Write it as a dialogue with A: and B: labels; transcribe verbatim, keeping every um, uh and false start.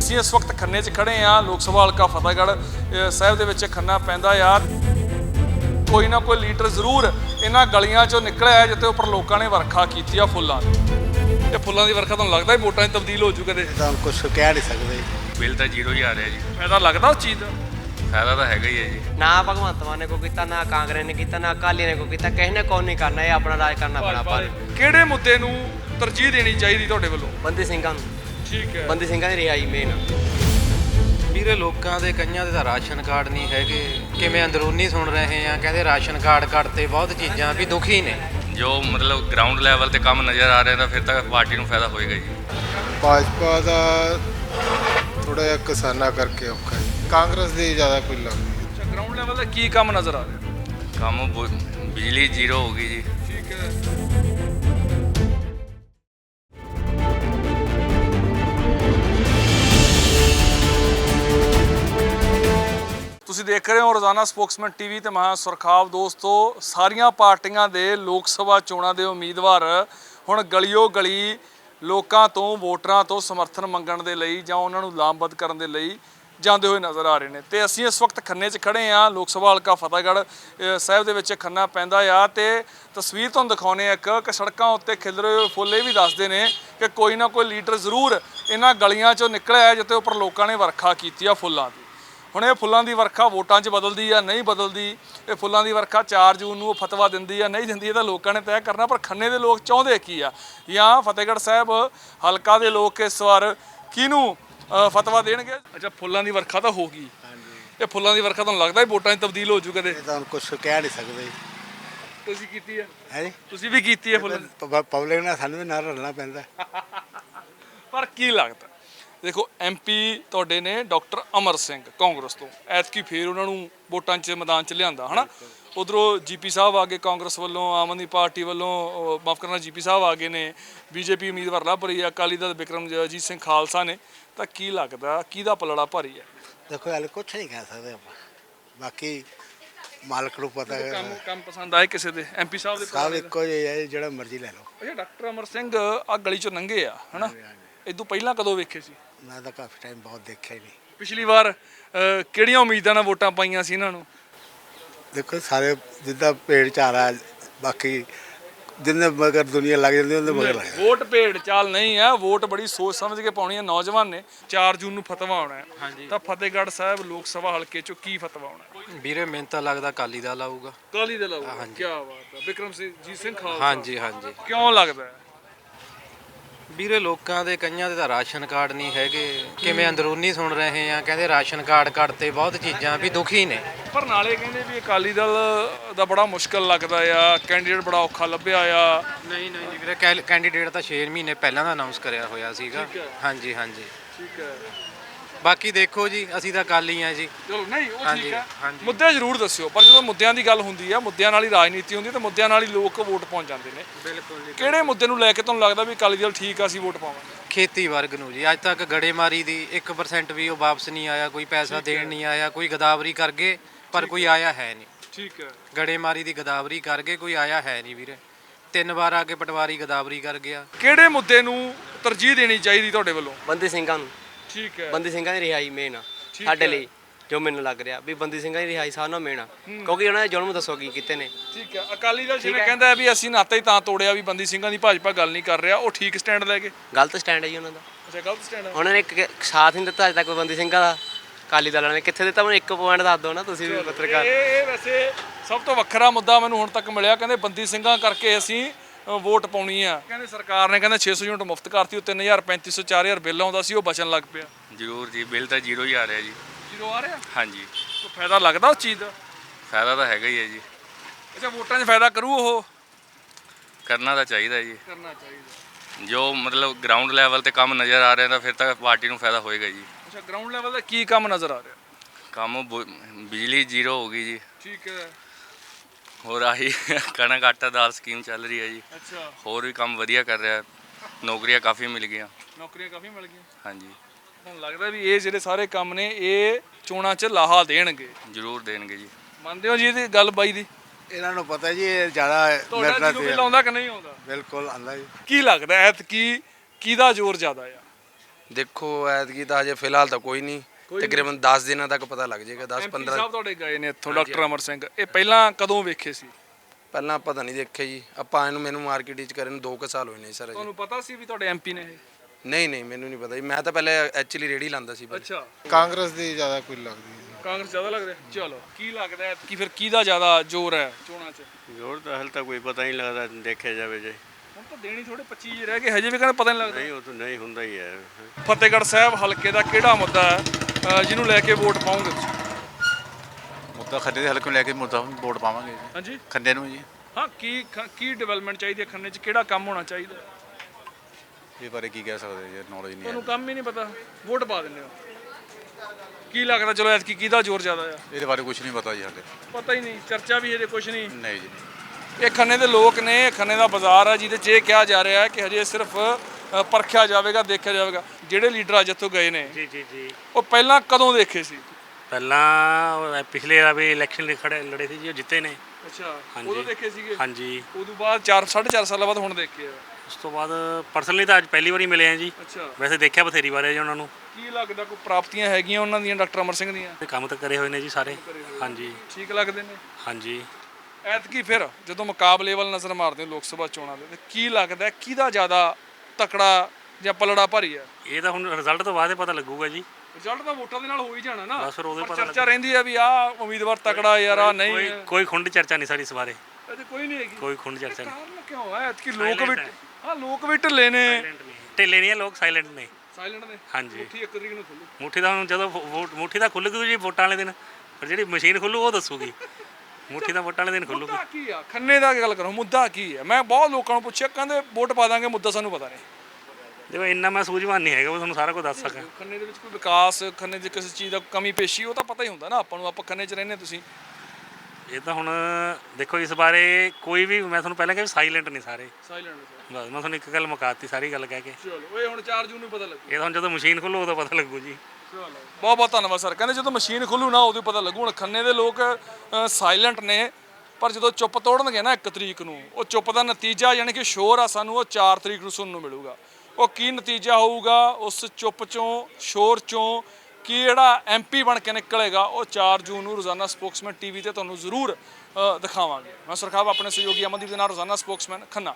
A: ਅਸੀਂ ਇਸ ਵਕਤ ਖੰਨੇ 'ਚ ਖੜੇ ਆ। ਲੋਕ ਸਭਾ ਹਲਕਾ ਫਤਿਹਗੜ੍ਹ ਸਾਹਿਬ ਦੇ ਵਿੱਚ ਖੰਨਾ ਪੈਂਦਾ ਆ। ਕੋਈ ਨਾ ਕੋਈ ਲੀਡਰ ਜ਼ਰੂਰ ਇਹਨਾਂ ਗਲੀਆਂ 'ਚੋਂ ਨਿਕਲਿਆ ਜਿੱਥੇ ਉੱਪਰ ਲੋਕਾਂ ਨੇ ਵਰਖਾ ਕੀਤੀ ਆ ਫੁੱਲਾਂ ਦੀ। ਤੇ ਫੁੱਲਾਂ ਦੀ ਵਰਖਾ ਤੁਹਾਨੂੰ ਲੱਗਦਾ ਹੀ ਵੋਟਾਂ 'ਚ ਤਬਦੀਲ ਹੋ ਜੂ ਕਦੇ?
B: ਤਾਂ ਕੁਝ ਕਹਿ ਨਹੀਂ ਸਕਦੇ।
C: ਬਿੱਲ ਤਾਂ ਜ਼ੀਰੋ ਹੀ ਆ ਰਿਹਾ ਜੀ।
A: ਫਾਇਦਾ ਲੱਗਦਾ ਉਸ ਚੀਜ਼ ਦਾ?
C: ਫਾਇਦਾ ਤਾਂ ਹੈਗਾ ਹੀ ਹੈ ਜੀ।
D: ਨਾ ਭਗਵੰਤ ਮਾਨ ਨੇ ਕੋਈ ਕੀਤਾ, ਨਾ ਕਾਂਗਰਸ ਨੇ ਕੀਤਾ, ਨਾ ਅਕਾਲੀ ਨੇ ਕੋਈ ਕੀਤਾ। ਕਿਸੇ ਨੇ ਕੋਈ ਨਹੀਂ ਕਰਨਾ, ਇਹ ਆਪਣਾ ਰਾਜ ਕਰਨਾ ਪੈਣਾ ਆਪਾਂ ਨੂੰ।
A: ਕਿਹੜੇ ਮੁੱਦੇ ਨੂੰ ਤਰਜੀਹ ਦੇਣੀ ਚਾਹੀਦੀ ਤੁਹਾਡੇ ਵੱਲੋਂ?
D: ਬੰਦੀ ਸਿੰਘਾਂ ਨੂੰ।
A: ਠੀਕ ਹੈ,
D: ਬੰਦੀ ਸਿੰਘਾਂ ਦੀ ਰਿਹਾਈ ਮੇਨ।
E: ਵੀਰੇ ਲੋਕਾਂ ਦੇ ਕਈਆਂ ਦੇ ਤਾਂ ਰਾਸ਼ਨ ਕਾਰਡ ਨਹੀਂ ਹੈਗੇ। ਕਿਵੇਂ ਅੰਦਰੂਨੀ ਸੁਣ ਰਹੇ ਆ, ਕਹਿੰਦੇ ਰਾਸ਼ਨ ਕਾਰਡ ਕੱਟਤੇ, ਬਹੁਤ ਚੀਜ਼ਾਂ ਵੀ ਦੁਖੀ ਨੇ।
C: ਜੋ ਮਤਲਬ ਗਰਾਊਂਡ ਲੈਵਲ ਤੇ ਕੰਮ ਨਜ਼ਰ ਆ ਰਿਹਾ ਤਾਂ ਫਿਰ ਤਾਂ ਪਾਰਟੀ ਨੂੰ ਫਾਇਦਾ ਹੋਏਗਾ ਜੀ।
B: ਭਾਜਪਾ ਦਾ ਥੋੜਾ ਜਿਹਾ ਕਿਸਾਨਾਂ ਕਰਕੇ ਔਖਾ ਹੈ। ਕਾਂਗਰਸ ਦੀ ਜ਼ਿਆਦਾ ਕੋਈ ਲੱਗਦੀ ਹੈ।
A: ਅੱਛਾ, ਗਰਾਊਂਡ ਲੈਵਲ ਤੇ ਕੀ ਕੰਮ ਨਜ਼ਰ ਆ ਰਿਹਾ?
C: ਕੰਮ ਬ- ਬਿਜਲੀ ਜ਼ੀਰੋ ਹੋ ਗਈ ਜੀ।
A: ਠੀਕ ਹੈ। ਤੁਸੀਂ ਦੇਖ ਰਹੇ ਹੋ ਰੋਜ਼ਾਨਾ ਸਪੋਕਸਮੈਨ ਟੀਵੀ ਤੇ ਮੈਂ ਸੁਰਖਾਬ। ਦੋਸਤੋ, ਸਾਰੀਆਂ ਪਾਰਟੀਆਂ ਦੇ ਲੋਕ ਸਭਾ ਚੋਣਾਂ ਦੇ ਉਮੀਦਵਾਰ ਹੁਣ ਗਲੀਓ ਗਲੀ ਲੋਕਾਂ ਤੋਂ, ਵੋਟਰਾਂ ਤੋਂ ਸਮਰਥਨ ਮੰਗਣ ਦੇ ਲਈ ਜਾਂ ਉਹਨਾਂ ਨੂੰ ਲਾਮਬੱਧ ਕਰਨ ਦੇ ਲਈ ਜਾਂਦੇ ਹੋਏ ਨਜ਼ਰ ਆ ਰਹੇ ਨੇ। ਤੇ ਅਸੀਂ ਇਸ ਵਕਤ ਖੰਨੇ 'ਚ ਖੜੇ ਆ। ਲੋਕ ਸਭਾ ਹਲਕਾ ਫਤਿਹਗੜ੍ਹ ਸਾਹਿਬ ਦੇ ਵਿੱਚ ਖੰਨਾ ਪੈਂਦਾ ਆ। ਤੇ ਤਸਵੀਰ ਤੁਹਾਨੂੰ ਦਿਖਾਉਂਦੇ ਆ ਇੱਕ ਕਿ ਸੜਕਾਂ ਉੱਤੇ ਖਿਲਰੇ ਹੋਏ ਫੁੱਲ ਇਹ ਵੀ ਦੱਸਦੇ ਨੇ ਕਿ ਕੋਈ ਨਾ ਕੋਈ ਲੀਡਰ ਜ਼ਰੂਰ ਇਹਨਾਂ ਗਲੀਆਂ 'ਚੋਂ ਨਿਕਲਿਆ ਜਿੱਥੇ ਉੱਪਰ ਲੋਕਾਂ ਨੇ ਵਰਖਾ ਕੀਤੀ ਆ ਫੁੱਲਾਂ ਦੀ। ਹੁਣ ਇਹ ਫੁੱਲਾਂ ਦੀ ਵਰਖਾ ਵੋਟਾਂ 'ਚ ਬਦਲਦੀ ਆ ਨਹੀਂ ਬਦਲਦੀ, ਇਹ ਫੁੱਲਾਂ ਦੀ ਵਰਖਾ ਚਾਰ ਜੂਨ ਨੂੰ ਉਹ ਫਤਵਾ ਦਿੰਦੀ ਆ ਨਹੀਂ ਦਿੰਦੀ, ਇਹ ਤਾਂ ਲੋਕਾਂ ਨੇ ਤੈਅ ਕਰਨਾ। ਪਰ ਖੰਨੇ ਦੇ ਲੋਕ ਚਾਹੁੰਦੇ ਕੀ ਆ, ਜਾਂ ਫਤਿਹਗੜ੍ਹ ਸਾਹਿਬ ਹਲਕਾ ਦੇ ਲੋਕ ਇਸ ਵਾਰ ਕਿਹਨੂੰ ਫਤਵਾ ਦੇਣਗੇ? ਅੱਛਾ, ਫੁੱਲਾਂ ਦੀ ਵਰਖਾ ਤਾਂ ਹੋ ਗਈ। ਇਹ ਫੁੱਲਾਂ ਦੀ ਵਰਖਾ ਤੁਹਾਨੂੰ ਲੱਗਦਾ ਹੀ ਵੋਟਾਂ 'ਚ ਤਬਦੀਲ ਹੋ ਜੂ ਕਦੇ?
B: ਤਾਂ ਕੁਝ ਕਹਿ ਨਹੀਂ ਸਕਦੇ।
A: ਤੁਸੀਂ ਕੀਤੀ ਹੈ?
B: ਹੈ ਜੀ,
A: ਤੁਸੀਂ ਵੀ ਕੀਤੀ ਹੈ ਫੁੱਲਾਂ ਦੀ?
B: ਪਬਲਿਕ ਨਾਲ ਸਾਨੂੰ ਵੀ ਨਾਲ ਰਲਣਾ ਪੈਂਦਾ।
A: ਪਰ ਕੀ ਲੱਗਦਾ? ਦੇਖੋ, ਐਮਪੀ ਤੁਹਾਡੇ ਨੇ ਡਾਕਟਰ ਅਮਰ ਸਿੰਘ ਕਾਂਗਰਸ ਤੋਂ, ਐਤਕੀ ਫੇਰ ਉਹਨਾਂ ਨੂੰ ਵੋਟਾਂ 'ਚ ਮੈਦਾਨ 'ਚ ਲਿਆਂਦਾ ਹਨਾ। ਉਧਰੋਂ ਜੀਪੀ ਸਾਹਿਬ ਆ ਗਏ ਕਾਂਗਰਸ ਵੱਲੋਂ, ਆਮ ਆਦਮੀ ਪਾਰਟੀ ਵੱਲੋਂ ਮਾਫ ਕਰਨਾ ਜੀਪੀ ਸਾਹਿਬ ਆ ਗਏ ਨੇ, ਬੀਜੇਪੀ ਉਮੀਦਵਾਰ ਲੱਭ ਰਹੀ ਆ, ਅਕਾਲੀ ਦਲ ਬਿਕਰਮਜੀਤ ਸਿੰਘ ਖਾਲਸਾ ਨੇ। ਤਾਂ ਕੀ ਲੱਗਦਾ ਕਿਹਦਾ ਪਲੜਾ ਭਾਰੀ ਹੈ?
B: ਦੇਖੋ ਹਾਲੇ ਕੁਝ ਨਹੀਂ ਕਹਿ ਸਕਦੇ ਆਪਾਂ, ਬਾਕੀ ਮਾਲਕ ਨੂੰ ਪਤਾ ਹੈ।
A: ਕੰਮ ਕੰਮ ਪਸੰਦ ਆਏ ਕਿਸੇ ਦੇ? ਐਮਪੀ ਸਾਹਿਬ ਦੇ
B: ਸਭ ਇੱਕੋ ਜਿਹਾ ਹੈ, ਜਿਹੜਾ ਮਰਜ਼ੀ ਲੈ ਲਓ।
A: ਅੱਛਾ, ਡਾਕਟਰ ਅਮਰ ਸਿੰਘ ਆ ਗਲੀ 'ਚੋਂ ਲੰਘੇ ਆ ਹਨਾ। ਇਦੋਂ ਪਹਿਲਾਂ ਕਦੋਂ ਵੇਖੇ ਸੀ?
B: ਮੈਂ ਤਾਂ ਕਾਫੀ ਟਾਈਮ ਬਹੁਤ ਦੇਖਿਆ ਹੀ ਨਹੀਂ।
A: ਪਿਛਲੀ ਵਾਰ ਅਹ, ਕਿਹੜੀਆਂ ਉਮੀਦਾਂ ਨਾਲ ਵੋਟਾਂ ਪਾਈਆਂ ਸੀ ਇਹਨਾਂ ਨੂੰ?
B: ਦੇਖੋ ਸਾਰੇ ਜਿੱਦਾਂ ਭੇਡ ਚਾਰਾ, ਬਾਕੀ ਜਿੰਨੇ ਮਗਰ ਦੁਨੀਆ ਲੱਗ ਜਾਂਦੀ ਉਹਦੇ ਮਗਰ ਲੱਗ
A: ਵੋਟ ਭੇਡ ਚਾਲ ਨਹੀਂ ਹੈ, ਵੋਟ ਬੜੀ ਸੋਚ ਸਮਝ ਕੇ ਪਾਉਣੀ ਹੈ। ਨੌਜਵਾਨ ਨੇ ਚਾਰ ਜੂਨ ਨੂੰ ਫਤਵਾ ਆਉਣਾ ਹੈ, ਤਾਂ ਫਤਿਹਗੜ੍ਹ ਸਾਹਿਬ ਲੋਕ ਸਭਾ ਹਲਕੇ 'ਚੋਂ ਕੀ ਫਤਵਾ ਆਉਣਾ?
E: ਵੀਰੇ ਮੈਨੂੰ ਤਾਂ ਲੱਗਦਾ ਅਕਾਲੀ ਦਲ ਆਊਗਾ।
A: ਅਕਾਲੀ ਦਲ ਆਊਗਾ। ਕੀ ਬਾਤ ਹੈ। ਬਿਕਰਮ ਸਿੰਘ ਜੀਤ ਸਿੰਘ ਖਾਲਸਾ।
E: ਹਾਂਜੀ ਹਾਂਜੀ।
A: ਕਿਉਂ ਲੱਗਦਾ ਹੈ?
E: ਵੀਰੇ ਲੋਕਾਂ ਦੇ ਕਈਆਂ ਦੇ ਤਾਂ ਰਾਸ਼ਨ ਕਾਰਡ ਨਹੀਂ ਹੈਗੇ। ਕਿਵੇਂ ਅੰਦਰੂਨੀ ਸੁਣ ਰਹੇ ਆ, ਕਹਿੰਦੇ ਰਾਸ਼ਨ ਕਾਰਡ ਕੱਟਤੇ, ਬਹੁਤ ਚੀਜ਼ਾਂ ਵੀ ਦੁਖੀ ਨੇ।
A: ਪਰ ਨਾਲੇ ਕਹਿੰਦੇ ਵੀ ਅਕਾਲੀ ਦਲ ਦਾ ਬੜਾ ਮੁਸ਼ਕਲ ਲੱਗਦਾ ਆ, ਕੈਂਡੀਡੇਟ ਬੜਾ ਔਖਾ ਲੱਭਿਆ ਆ।
E: ਨਹੀਂ ਨਹੀਂ ਵੀਰੇ, ਕੈ- ਕੈਂਡੀਡੇਟ ਤਾਂ ਛੇ ਮਹੀਨੇ ਪਹਿਲਾਂ ਦਾ ਅਨਾਉਂਸ ਕਰਿਆ ਹੋਇਆ ਸੀਗਾ। ਹਾਂਜੀ ਹਾਂਜੀ।
A: ਠੀਕ ਹੈ।
E: ਬਾਕੀ ਦੇਖੋ ਜੀ, ਅਸੀਂ ਤਾਂ ਅਕਾਲੀ ਆ ਜੀ।
A: ਚਲੋ, ਨਹੀਂ ਉਹ
E: ਹਾਂਜੀ,
A: ਠੀਕ ਹੈ।
E: ਹਾਂਜੀ।
A: ਮੁੱਦੇ ਜ਼ਰੂਰ ਦੱਸਿਓ, ਪਰ ਜਦੋਂ ਮੁੱਦਿਆਂ ਦੀ ਗੱਲ ਹੁੰਦੀ ਆ, ਮੁੱਦਿਆਂ ਨਾਲ ਹੀ ਰਾਜਨੀਤੀ ਹੁੰਦੀ ਤੇ ਮੁੱਦਿਆਂ ਨਾਲ ਹੀ ਲੋਕ ਵੋਟ ਪਾਉਣ ਜਾਂਦੇ ਨੇ।
E: ਬਿਲਕੁਲ ਜੀ।
A: ਕਿਹੜੇ ਮੁੱਦੇ ਨੂੰ ਲੈ ਕੇ ਤੁਹਾਨੂੰ ਲੱਗਦਾ ਵੀ ਅਕਾਲੀ ਦਲ ਠੀਕ ਆ, ਅਸੀਂ ਵੋਟ ਪਾਵਾਂਗੇ?
E: ਖੇਤੀ ਵਰਗ ਨੂੰ ਜੀ। ਅੱਜ ਤੱਕ ਗੜੇਮਾਰੀ ਦੀ ਇੱਕ ਪਰਸੈਂਟ ਵੀ ਉਹ ਵਾਪਸ ਨਹੀਂ ਆਇਆ, ਕੋਈ ਪੈਸਾ ਦੇਣ ਨਹੀਂ ਆਇਆ। ਕੋਈ ਗਦਾਵਰੀ ਕਰ ਗਏ ਪਰ ਕੋਈ ਆਇਆ ਹੈ ਨਹੀਂ।
A: ਠੀਕ ਹੈ।
E: ਗੜੇਮਾਰੀ ਦੀ ਗਦਾਵਰੀ ਕਰ ਗਏ, ਕੋਈ ਆਇਆ ਹੈ ਨਹੀਂ ਵੀਰੇ। ਤਿੰਨ ਵਾਰ ਆ ਕੇ ਪਟਵਾਰੀ ਗਦਾਵਰੀ ਕਰ ਗਿਆ।
A: ਕਿਹੜੇ ਮੁੱਦੇ ਨੂੰ ਤਰਜੀਹ ਦੇਣੀ ਚਾਹੀਦੀ ਤੁਹਾਡੇ ਵੱਲੋਂ?
D: ਬੰਦੀ ਸਿੰਘਾਂ ਨੂੰ।
A: ਠੀਕ ਹੈ।
D: ਬੰਦੀ ਸਿੰਘਾਂ ਦੀ ਰਿਹਾਈ ਮੇਨ ਆ
A: ਠੀਕ
D: ਸਾਡੇ
A: ਹੈ।
D: ਲਈ। ਜੋ ਮੈਨੂੰ ਲੱਗ ਰਿਹਾ ਵੀ ਬੰਦੀ ਸਿੰਘਾਂ ਦੀ ਰਿਹਾਈ ਸਾਰਿਆਂ ਨਾਲੋਂ ਮੇਨ ਆ, ਕਿਉਂਕਿ ਉਹਨਾਂ ਨੇ ਜ਼ੁਲਮ ਦੱਸੋ ਕੀ ਕੀਤੇ ਨੇ।
A: ਠੀਕ ਹੈ। ਅਕਾਲੀ ਦਲ ਜਿਵੇਂ ਕਹਿੰਦਾ ਵੀ ਅਸੀਂ ਨਾਤਾ ਹੀ ਤਾਂ ਤੋੜਿਆ ਵੀ ਬੰਦੀ ਸਿੰਘਾਂ ਦੀ ਭਾਜਪਾ ਗੱਲ ਨਹੀਂ ਕਰ ਰਿਹਾ, ਉਹ ਠੀਕ ਸਟੈਂਡ ਲੈ ਕੇ?
D: ਗਲਤ ਸਟੈਂਡ ਹੈ ਜੀ ਉਹਨਾਂ ਦਾ।
A: ਅੱਛਾ, ਗਲਤ ਸਟੈਂਡ ਹੈ।
D: ਉਹਨਾਂ ਨੇ ਇੱਕ ਸਾਥ ਨਹੀਂ ਦਿੱਤਾ ਅਜੇ ਤੱਕ ਬੰਦੀ ਸਿੰਘਾਂ ਦਾ। ਅਕਾਲੀ ਦਲ ਨੇ ਕਿੱਥੇ ਦਿੱਤਾ? ਮੈਨੂੰ ਇੱਕ ਪੁਆਇੰਟ ਦੱਸ ਦਿਓ ਨਾ, ਤੁਸੀਂ ਵੀ ਪੱਤਰਕਾਰ।
A: ਇਹ ਇਹ ਵੈਸੇ ਸਭ ਤੋਂ ਵੱਖਰਾ ਮੁੱਦਾ ਮੈਨੂੰ ਹੁਣ ਤੱਕ ਮਿਲਿਆ। ਕਹਿੰਦੇ ਬੰਦੀ ਸਿੰਘਾਂ ਕਰਕੇ ਅਸੀਂ ਅ, ਵੋਟ ਪਾਉਣੀ ਆ। ਕਹਿੰਦੇ ਸਰਕਾਰ ਨੇ ਕਹਿੰਦੇ ਛੇ ਸੌ ਯੂਨਿਟ ਮੁਫਤ ਕਰਤੀ, ਉਹ ਤਿੰਨ ਹਜ਼ਾਰ ਪੈਂਤੀ ਸੌ ਚਾਰ ਹਜ਼ਾਰ ਬਿੱਲ ਆਉਂਦਾ ਸੀ, ਉਹ ਬਚਣ ਲੱਗ ਪਿਆ।
C: ਜ਼ਰੂਰ ਜੀ, ਬਿੱਲ ਤਾਂ ਜ਼ੀਰੋ ਹੀ ਆ ਰਿਹਾ ਜੀ।
A: ਜ਼ੀਰੋ ਆ ਰਿਹਾ?
C: ਹਾਂਜੀ।
A: ਕੋਈ ਫਾਇਦਾ ਲੱਗਦਾ ਉਸ ਚੀਜ਼ ਦਾ?
C: ਫਾਇਦਾ ਤਾਂ ਹੈਗਾ ਹੀ ਹੈ ਜੀ।
A: ਅੱਛਾ, ਵੋਟਾਂ 'ਚ ਫਾਇਦਾ ਕਰੂ ਉਹ?
C: ਕਰਨਾ ਤਾਂ ਚਾਹੀਦਾ ਜੀ।
A: ਕਰਨਾ ਚਾਹੀਦਾ।
C: ਜੋ ਮਤਲਬ ਗਰਾਊਂਡ ਲੈਵਲ ਤੇ ਕੰਮ ਨਜ਼ਰ ਆ ਰਿਹਾ ਤਾਂ ਫਿਰ ਤਾਂ ਪਾਰਟੀ ਨੂੰ ਫਾਇਦਾ ਹੋਏਗਾ ਜੀ।
A: ਅੱਛਾ, ਗਰਾਊਂਡ ਲੈਵਲ ਤੇ ਕੀ ਕੰਮ ਨਜ਼ਰ ਆ ਰਿਹਾ?
C: ਕੰਮ ਬ- ਬਿਜਲੀ ਜ਼ੀਰੋ ਹੋ ਗਈ ਜੀ।
A: ਠੀਕ ਹੈ।
C: ਹੋਰ ਆਹੀ ਕਣਕ ਆਟਾ ਦਾਲ ਸਕੀਮ ਚੱਲ ਰਹੀ ਹੈ ਜੀ।
A: ਅੱਛਾ,
C: ਹੋਰ ਵੀ ਕੰਮ ਵਧੀਆ ਕਰ ਰਿਹਾ, ਨੌਕਰੀਆਂ ਕਾਫੀ ਮਿਲ ਗਈਆਂ।
A: ਨੌਕਰੀਆਂ ਕਾਫੀ ਮਿਲ ਗਈਆਂ।
C: ਹਾਂਜੀ,
A: ਹੁਣ ਲੱਗਦਾ ਵੀ ਇਹ ਜਿਹੜੇ ਸਾਰੇ ਕੰਮ ਨੇ ਇਹ ਚੋਣਾਂ 'ਚ ਲਾਹਾ ਦੇਣਗੇ।
C: ਜ਼ਰੂਰ ਦੇਣਗੇ ਜੀ।
A: ਮੰਨਦੇ ਹੋ ਜੀ ਇਹਦੀ ਗੱਲ ਬਾਈ ਦੀ?
B: ਇਹਨਾਂ ਨੂੰ ਪਤਾ ਜੀ ਇਹ ਜ਼ਿਆਦਾ
A: ਤੁਹਾਡਾ
B: ਮਿਹਨਤ
A: ਜੀਰੋ ਬਿੱਲ ਆਉਂਦਾ ਕਿ ਨਹੀਂ ਆਉਂਦਾ?
B: ਬਿਲਕੁਲ ਆਉਂਦਾ ਜੀ।
A: ਕੀ ਲੱਗਦਾ ਐਤਕੀ ਕਿਹਦਾ ਜ਼ੋਰ ਜ਼ਿਆਦਾ ਆ?
F: ਦੇਖੋ ਐਤਕੀ ਤਾਂ ਹਜੇ ਫਿਲਹਾਲ ਤਾਂ ਕੋਈ ਨਹੀਂ, ਤਕਰੀਬਨ ਦਸ ਦਿਨਾਂ ਤੱਕ ਪਤਾ ਲੱਗ ਜਾਏਗਾ। ਦਸ
A: ਐਮਪੀ
F: ਪੰਦਰਾਂ
A: ਸਾਹਿਬ ਤੁਹਾਡੇ ਗਏ ਨੇ ਇੱਥੋਂ ਡਾਕਟਰ ਅਮਰ ਸਿੰਘ, ਇਹ ਪਹਿਲਾਂ ਕਦੋਂ ਵੇਖੇ ਸੀ?
F: ਪਹਿਲਾਂ ਪਤਾ ਨਹੀਂ ਦੇਖਿਆ ਜੀ, ਆਪਾਂ ਇਹਨੂੰ ਮੈਨੂੰ ਮਾਰਕੀਟ ਵਿੱਚ ਕਰਨ ਨੂੰ ਦੋ ਕੁ ਸਾਲ ਹੋਏ ਨੇ ਸਰ ਜੀ।
A: ਤੁਹਾਨੂੰ ਪਤਾ ਸੀ ਵੀ ਤੁਹਾਡੇ ਐਮਪੀ ਨੇ ਇਹ?
F: ਨਹੀਂ ਨਹੀਂ ਮੈਨੂੰ ਨਹੀਂ ਪਤਾ ਜੀ, ਮੈਂ ਤਾਂ ਪਹਿਲੇ ਐਕਚੁਅਲੀ ਰੇੜੀ ਲਾਂਦਾ ਸੀ ਪਹਿਲੇ।
A: ਅੱਛਾ,
G: ਕਾਂਗਰਸ ਦੀ ਜ਼ਿਆਦਾ ਕੋਈ ਲੱਗਦੀ ਹੈ।
A: ਕਾਂਗਰਸ ਜ਼ਿਆਦਾ ਲੱਗਦਾ। ਚਲੋ ਕੀ ਲੱਗਦਾ ਹੈ ਕਿ ਫਿਰ ਕਿਹਦਾ ਜ਼ਿਆਦਾ ਜ਼ੋਰ ਹੈ ਚੋਣਾਂ 'ਚ?
H: ਜ਼ੋਰ ਤਾਂ ਹਾਲੇ ਤਾਂ ਕੋਈ ਪਤਾ ਨਹੀਂ ਲੱਗਦਾ, ਦੇਖਿਆ ਜਾਵੇ ਜੇ।
A: ਹੁਣ ਤਾਂ ਦੇਣੀ ਥੋੜੇ ਪੱਚੀ ਜਿਹੇ ਰਹਿ ਗਏ, ਹਜੇ ਵੀ ਕਹਿੰਦੇ ਪਤਾ ਨਹੀਂ ਲੱਗਦਾ।
H: ਨਹੀਂ ਉਹ ਤਾਂ ਨਹੀਂ ਹੁੰਦਾ ਹੀ ਹੈ।
A: ਫਤਿਹਗੜ੍ਹ ਸਾਹਿਬ ਹਲਕੇ ਦਾ ਕਿਹੜਾ ਮੁੱਦਾ ਹੈ ਅ, ਜਿਹਨੂੰ ਲੈ ਕੇ ਵੋਟ ਪਾਉਂਗੇ ਤੁਸੀਂ?
I: ਮੁੱਦਾ ਖੰਨੇ ਦੇ ਹਲਕੇ ਨੂੰ ਲੈ ਕੇ ਮੁੱਦਾ ਵੋਟ ਪਾਵਾਂਗੇ ਜੀ।
A: ਹਾਂਜੀ,
I: ਖੰਨੇ ਨੂੰ ਜੀ।
A: ਹਾਂ ਕੀ ਖ- ਕੀ ਡਿਵੈਲਪਮੈਂਟ ਚਾਹੀਦੀ ਹੈ ਖੰਨੇ 'ਚ, ਕਿਹੜਾ ਕੰਮ ਹੋਣਾ ਚਾਹੀਦਾ?
I: ਇਹ ਬਾਰੇ ਕੀ ਕਹਿ ਸਕਦੇ ਜੀ, ਨੌਲੇਜ ਨਹੀਂ
A: ਤੁਹਾਨੂੰ
I: ਹੈ।
A: ਕੰਮ ਹੀ ਨਹੀਂ ਪਤਾ, ਵੋਟ ਪਾ ਦਿੰਦੇ ਹੋ। ਕੀ ਲੱਗਦਾ ਚਲੋ ਐਤਕੀ ਕਿਹਦਾ ਜ਼ੋਰ ਜ਼ਿਆਦਾ ਆ?
I: ਇਹਦੇ ਬਾਰੇ ਕੁਝ ਨਹੀਂ ਪਤਾ ਜੀ ਹਾਲੇ।
A: ਪਤਾ ਹੀ ਨਹੀਂ, ਚਰਚਾ ਵੀ ਹਜੇ ਕੁਝ ਨਹੀਂ।
I: ਨਹੀਂ ਜੀ।
A: ਇਹ ਖੰਨੇ ਦੇ ਲੋਕ ਨੇ, ਖੰਨੇ ਦਾ ਬਾਜ਼ਾਰ ਆ ਜਿਹਦੇ 'ਚ ਇਹ ਕਿਹਾ ਜਾ ਰਿਹਾ ਹੈ ਕਿ ਹਜੇ ਸਿਰਫ ਅ, ਪਰਖਿਆ ਜਾਵੇਗਾ, ਦੇਖਿਆ ਜਾਵੇਗਾ। ਜਿਹੜੇ ਲੀਡਰ ਅੱਜ ਇੱਥੋਂ ਗਏ ਨੇ
J: ਜੀ ਜੀ ਜੀ
A: ਉਹ ਪਹਿਲਾਂ ਕਦੋਂ ਦੇਖੇ ਸੀ?
J: ਪਹਿਲਾਂ ਪਿਛਲੇ ਵਾਲੇ ਇਲੈਕਸ਼ਨ ਖੜੇ ਲੜੇ ਸੀ ਜੀ, ਉਹ ਜਿੱਤੇ ਨੇ।
A: ਅੱਛਾ,
J: ਹਾਂਜੀ।
A: ਉਦੋਂ ਦੇਖੇ ਸੀਗੇ?
J: ਹਾਂਜੀ,
A: ਉਦੋਂ ਬਾਅਦ ਚਾਰ ਸਾਢੇ ਚਾਰ ਸਾਲਾਂ ਬਾਅਦ ਹੁਣ ਦੇਖੇ ਆ।
J: ਉਸ ਤੋਂ ਬਾਅਦ ਪਰਸਨਲੀ ਤਾਂ ਅੱਜ ਪਹਿਲੀ ਵਾਰੀ ਮਿਲੇ ਆ ਜੀ।
A: ਅੱਛਾ,
J: ਵੈਸੇ ਦੇਖਿਆ ਬਥੇਰੀ ਵਾਰ ਹੈ ਜੀ ਉਹਨਾਂ ਨੂੰ।
A: ਕੀ ਲੱਗਦਾ ਕੋਈ ਪ੍ਰਾਪਤੀਆਂ ਹੈਗੀਆਂ ਉਹਨਾਂ ਦੀਆਂ ਡਾਕਟਰ ਅਮਰ ਸਿੰਘ ਦੀਆਂ?
J: ਤੇ ਕੰਮ ਤਾਂ ਕਰੇ ਹੋਏ ਨੇ ਜੀ ਸਾਰੇ। ਹਾਂਜੀ
A: ਠੀਕ ਲੱਗਦੇ ਨੇ?
J: ਹਾਂਜੀ।
A: ਐਤਕੀ ਫਿਰ ਜਦੋਂ ਮੁਕਾਬਲੇ ਵੱਲ ਨਜ਼ਰ ਮਾਰਦੇ ਹੋ ਲੋਕ ਸਭਾ ਚੋਣਾਂ ਦੇ, ਤੇ ਕੀ ਲੱਗਦਾ ਕਿਹਦਾ ਜ਼ਿਆਦਾ ਤਕੜਾ ਜਾਂ ਪਲੜਾ ਭਾਰੀ ਹੈ?
J: ਇਹ ਤਾਂ ਹੁਣ ਰਿਜ਼ਲਟ ਤੋਂ ਬਾਅਦ ਹੀ ਪਤਾ ਲੱਗੂਗਾ ਜੀ।
A: ਰਿਜ਼ਲਟ ਤਾਂ ਵੋਟਾਂ ਦੇ ਨਾਲ ਹੋ ਹੀ ਜਾਣਾ ਨਾ।
J: ਬਸ ਫਿਰ ਉਦੋਂ ਹੀ
A: ਪਰ
J: ਪਤਾ
A: ਚਰਚਾ ਰਹਿੰਦੀ ਆ ਵੀ ਆਹ ਉਮੀਦਵਾਰ ਤਕੜਾ ਯਾਰ, ਆ ਨਹੀਂ
J: ਕੋਈ
A: ਹੈ।
J: ਕੋਈ ਖੁੰਡ ਚਰਚਾ ਨਹੀਂ ਸਾਰੀ ਇਸ ਬਾਰੇ,
A: ਇਹਦੇ ਕੋਈ ਨਹੀਂ ਹੈਗੀ।
J: ਕੋਈ ਖੁੰਡ ਚਰਚਾ ਨਹੀਂ।
A: ਕਾਰਨ ਕਿਉਂ ਹੈ ਐਤਕੀ ਲੋਕ ਵੀ?
J: Silent ਹੈ।
A: ਹਾਂ, ਲੋਕ ਵੀ ਢਿੱਲੇ ਨੇ,
J: ਢਿੱਲੇ ਨਹੀਂ ਆ ਲੋਕ, ਸਾਇਲੈਂਟ ਨੇ।
A: ਸਾਇਲੈਂਟ ਨੇ।
J: ਹਾਂਜੀ।
A: ਮੁੱਠੀ ਇੱਕ ਤਰੀਕ ਨੂੰ ਖੁੱਲੂ।
J: ਮੁੱਠੀ ਦਾ ਹੁਣ ਜਦੋਂ ਵੋਟ ਮੁੱਠੀ ਦਾ ਖੁੱਲ ਗਈ ਜੀ ਵੋਟਾਂ ਵਾਲੇ ਦਿਨ, ਪਰ ਜਿਹੜੀ ਮਸ਼ੀਨ ਖੁੱਲੂ ਉਹ ਦੱਸੂਗੀ। ਮੁੱਠੀ ਦਾ ਵੋਟਾਂ ਵਾਲੇ ਦਿਨ ਖੁੱਲੂਗੀ।
A: ਮੁੱਦਾ ਕੀ ਆ ਖੰਨੇ ਦਾ? ਗੱਲ ਕਰੋ, ਮੁੱਦਾ ਕੀ ਹੈ? ਮੈਂ ਬਹੁਤ ਲੋਕਾਂ ਨੂੰ ਪੁੱਛਿਆ, ਕਹਿੰਦੇ ਵੋਟ ਪਾ ਦਾਂਗੇ, ਮੁੱਦਾ ਸਾਨੂੰ ਪਤਾ ਨਹੀਂ।
J: ਦੇਖੋ ਇੰਨਾ ਮੈਂ ਸੂਝਵਾਨ ਨਹੀਂ ਹੈਗਾ ਉਹ ਤੁਹਾਨੂੰ ਸਾਰਾ ਕੁਝ ਦੱਸ ਸਕਾਂ।
A: ਖੰਨੇ ਦੇ ਵਿੱਚ ਕੋਈ ਵਿਕਾਸ, ਖੰਨੇ ਦੀ ਕਿਸੇ ਚੀਜ਼ ਦਾ ਕਮੀ ਪੇਸ਼ੀ, ਉਹ ਤਾਂ ਪਤਾ ਹੀ ਹੁੰਦਾ ਨਾ ਆਪਾਂ ਨੂੰ, ਆਪਾਂ ਖੰਨੇ 'ਚ ਰਹਿੰਦੇ। ਤੁਸੀਂ
J: ਇਹ ਤਾਂ ਹੁਣ ਦੇਖੋ ਇਸ ਬਾਰੇ ਕੋਈ ਵੀ, ਮੈਂ ਤੁਹਾਨੂੰ ਪਹਿਲਾਂ ਕਿਹਾ ਵੀ ਸਾਇਲੈਂਟ ਨਹੀਂ ਸਾਰੇ।
A: ਸਾਇਲੈਂਟ।
J: ਬਸ ਮੈਂ ਤੁਹਾਨੂੰ ਇੱਕ ਗੱਲ ਮੁਕਾਤੀ ਸਾਰੀ ਗੱਲ ਕਹਿ ਕੇ।
A: ਚਲੋ ਇਹ ਹੁਣ ਚਾਰ ਜੂਨ ਨੂੰ ਪਤਾ ਲੱਗੂ।
J: ਇਹ ਤਾਂ ਹੁਣ ਜਦੋਂ ਮਸ਼ੀਨ ਖੁੱਲੂ ਉਦੋਂ ਪਤਾ ਲੱਗੂ ਜੀ।
A: ਚਲੋ ਬਹੁਤ ਬਹੁਤ ਧੰਨਵਾਦ ਸਰ। ਕਹਿੰਦੇ ਜਦੋਂ ਮਸ਼ੀਨ ਖੁੱਲੂ ਨਾ ਉਦੋਂ ਪਤਾ ਲੱਗੂ। ਹੁਣ ਖੰਨੇ ਦੇ ਲੋਕ ਸਾਇਲੈਂਟ ਨੇ, ਪਰ ਜਦੋਂ ਚੁੱਪ ਤੋੜਨਗੇ ਨਾ ਇੱਕ ਤਰੀਕ ਨੂੰ, ਉਹ ਚੁੱਪ ਦਾ ਨਤੀਜਾ ਯਾਨੀ ਕਿ ਸ਼ੋਰ ਆ ਸਾਨੂੰ ਉਹ ਚਾਰ ਤਰੀਕ ਨੂੰ ਸੁਣਨ ਨੂੰ ਮਿਲੂਗਾ। ਉਹ ਕੀ ਨਤੀਜਾ ਹੋਊਗਾ ਉਸ ਚੁੱਪ ਚੋਂ, ਸ਼ੋਰ ਚੋਂ, ਕੀ ਜਿਹੜਾ ਐਮਪੀ ਬਣ ਕੇ ਨਿਕਲੇਗਾ, ਉਹ ਚਾਰ ਜੂਨ ਨੂੰ ਰੋਜ਼ਾਨਾ ਸਪੋਕਸਮੈਨ ਟੀਵੀ ਤੇ ਤੁਹਾਨੂੰ ਜ਼ਰੂਰ ਅ, ਦਿਖਾਵਾਂਗੇ। ਮੈਂ ਸੁਰਖਾਬ ਆਪਣੇ ਸਹਿਯੋਗੀ ਅਮਨਦੀਪ ਦੇ ਨਾਲ, ਰੋਜ਼ਾਨਾ ਸਪੋਕਸਮੈਨ ਖੰਨਾ।